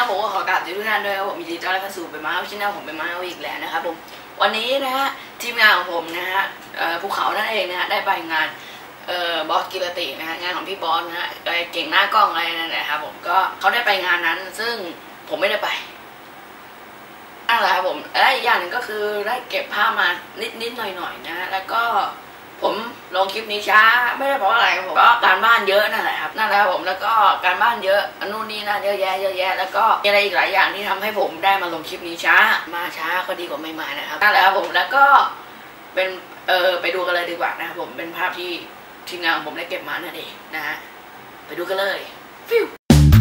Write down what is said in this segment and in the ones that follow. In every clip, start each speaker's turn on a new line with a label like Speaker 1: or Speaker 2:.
Speaker 1: ผมก็ขอกราบทุกท่านด้วยครับผมยินดีต้อนรับเข้าสู่เป็นมาช่องผมเป็นมาอีกแล้วนะครับผมวันนี้นะฮะทีมงานของผมนะฮะภูเขานั่นเองนะฮะได้ไปงานบอสกิรตินะฮะงานของพี่บอสนะฮะเก่งหน้ากล้องอะไรนั่นแหละครับผมก็เขาได้ไปงานนั้นซึ่งผมไม่ได้ไปนั่นแหละครับผมและอีกอย่างหนึ่งก็คือได้เก็บภาพมานิดหน่อยนะฮะแล้วก็ผมลงคลิปนี้ช้าไม่ได้เพราะอะไรผมก็การบ้านเยอะนั่นแหละครับนั่นแหละผมแล้วก็การบ้านเยอะนู่นนี่นั่นเยอะแยะแล้วก็มีอะไรอีกหลายอย่างที่ทำให้ผมได้มาลงคลิปนี้ช้าก็ดีกว่าไม่มานะครับนั่นแหละครับผมแล้วก็เป็นไปดูกันเลยดีกว่านะครับผมเป็นภาพที่ทีมงานของผมได้เก็บมานั่นเองนะฮะไปดูกันเลยฟิว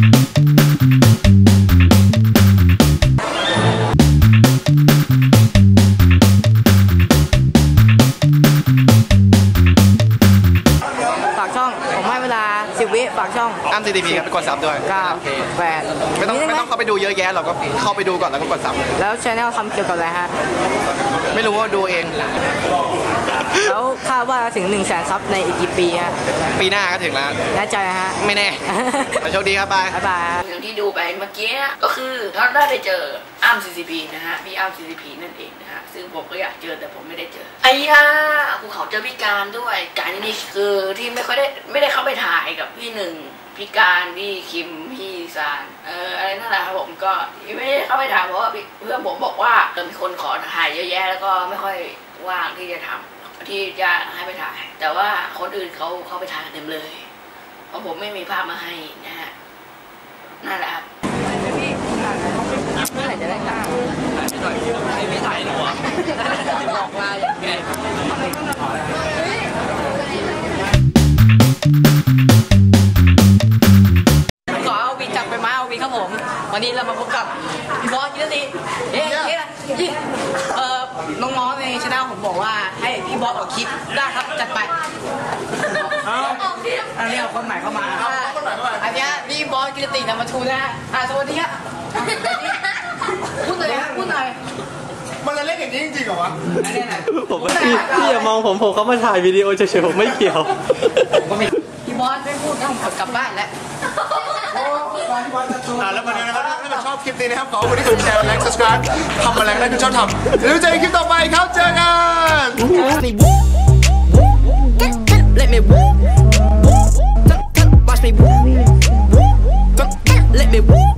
Speaker 2: 10 วิฝากช่อง
Speaker 3: อ้ำ CTP ครับไปกดซับด้วย
Speaker 2: 9 8
Speaker 3: ไม่ต้องเข้าไปดูเยอะแยะเราก็เข้าไปดูก่อนแล้วก็กดซับ
Speaker 2: แล้วช anel ทำเกี่ยวกับอะไรฮะ
Speaker 3: ไม่รู้ว่าดูเอง
Speaker 2: แล้วคาดว่าถึง 100,000 ซับในอีกกี่ปีฮะ
Speaker 3: ปีหน้าก็ถึงแล้ว
Speaker 2: แน่ใจฮะ
Speaker 3: ไม่แน่โชคดีครับบ๊ายบาย
Speaker 1: อย่างที่ดูไปเมื่อกี้ก็คือเขาได้ไปเจออ้ำ CTP นะฮะพี่อ้ำ CTP นั่นเองนะฮะซึ่งผมก็อยากเจอแต่ผมไม่ได้เจอไอ้ย่าภูเขาเจอพี่การด้วยการนี่คือที่ไม่ได้เข้าไปถ่ายกับพี่หนึ่งพี่การพี่คิมพี่ซานอะไรนั่นแหละครับผมก็ไม่ได้เข้าไปถ่ายเพราะว่าเพื่อนผมบอกว่ามีคนขอถ่ายเยอะแยะแล้วก็ไม่ค่อยว่างที่จะทำที่จะให้ไปถ่ายแต่ว่าคนอื่นเขาไปถ่ายเต็มเลยเพราะผมไม่มีภาพมาให้นะฮะนั่นแหละครับเมื่อไหร่จะได้กล้าไม่ถ่ายหรอบอกว่าอย่างไงขอเอาวีจับไปมาเอาวีครับผมวันนี้เรามาพบกับพี่บอสกิรติน้องๆในช่องผมบอกว่าให้พี่บอสออกคลิปได้ครับจัดไปอันนี้เอาคนใหม่เข้ามาอันนี้พี่บอสกิรตินำมาทูนะฮะสวัสดีครับพูดหน่อย
Speaker 3: มันจะเล่นอย่างนี้จริงๆเหรอวะ
Speaker 4: ผมพี่อย่ามองผมเขามาถ่ายวิดีโอเฉยๆผมไม่เกี่ยว
Speaker 1: พี่บอสไม่พูดนะผมกลับบ้านแล้ว
Speaker 3: แล้วมาดูนะครับถ้าชอบคลิปนี้นะครับขอคนที่กดแชร์และ subscribe ทำอะไรก็ได้ที่ชอบทำแล้วเจอกันคลิปต่อไปครับเจอกัน
Speaker 1: Let me watch me let me